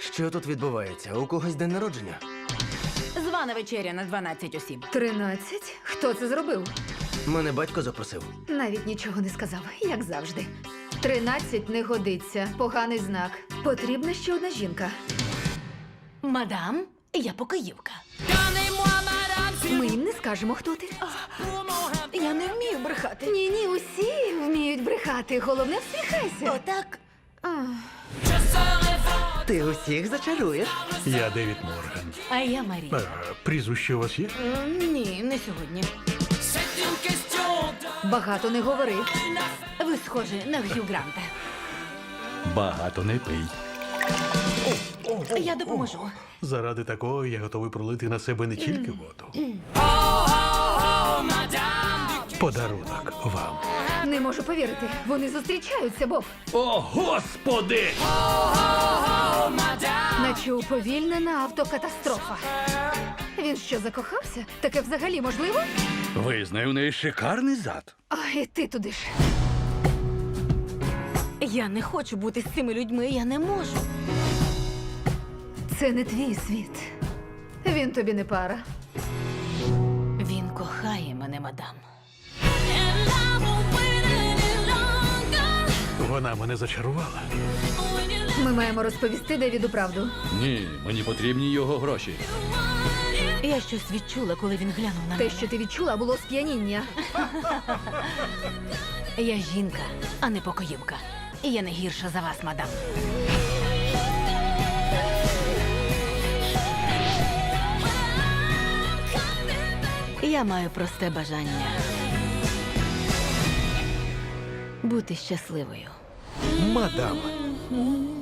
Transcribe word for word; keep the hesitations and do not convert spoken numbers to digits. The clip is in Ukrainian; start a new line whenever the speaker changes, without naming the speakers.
Що тут відбувається? У когось день народження?
Звана вечеря на дванадцять осіб.
Тринадцять? Хто це зробив?
Мене батько запросив.
Навіть нічого не сказав, як завжди. Тринадцять не годиться. Поганий знак. Потрібна ще одна жінка.
Мадам, я покоївка.
Ми їм не скажемо, хто ти.
Я не вмію брехати.
Ні, ні, усі вміють брехати. Головне, всміхайся.
Отак.
Ах.
Ти усіх зачаруєш?
Я Девід Морган.
А я Марія.
Е, Прізвище у вас є?
М, Ні, не сьогодні.
Багато не говори.
Ви схожі на Г'ю Гранта.
Багато не пий.
Я допоможу.
Заради такого я готовий пролити на себе не тільки воду. Подарунок вам.
Не можу повірити. Вони зустрічаються, Боб.
О, Господи!
Наче уповільнена автокатастрофа. Він що, закохався? Таке взагалі можливо?
Визнаю, у неї шикарний зад.
А, і ти туди ж.
Я не хочу бути з цими людьми, я не можу.
Це не твій світ. Він тобі не пара.
Він кохає мене, мадам.
Вона мене зачарувала.
Ми маємо розповісти Девіду правду.
Ні, мені потрібні його гроші.
Я щось відчула, коли він глянув на
Те,
мене.
що ти відчула, було сп'яніння.
Я жінка, а не покоївка. І я не гірша за вас, мадам. Я маю просте бажання бути щасливою.
Мадам.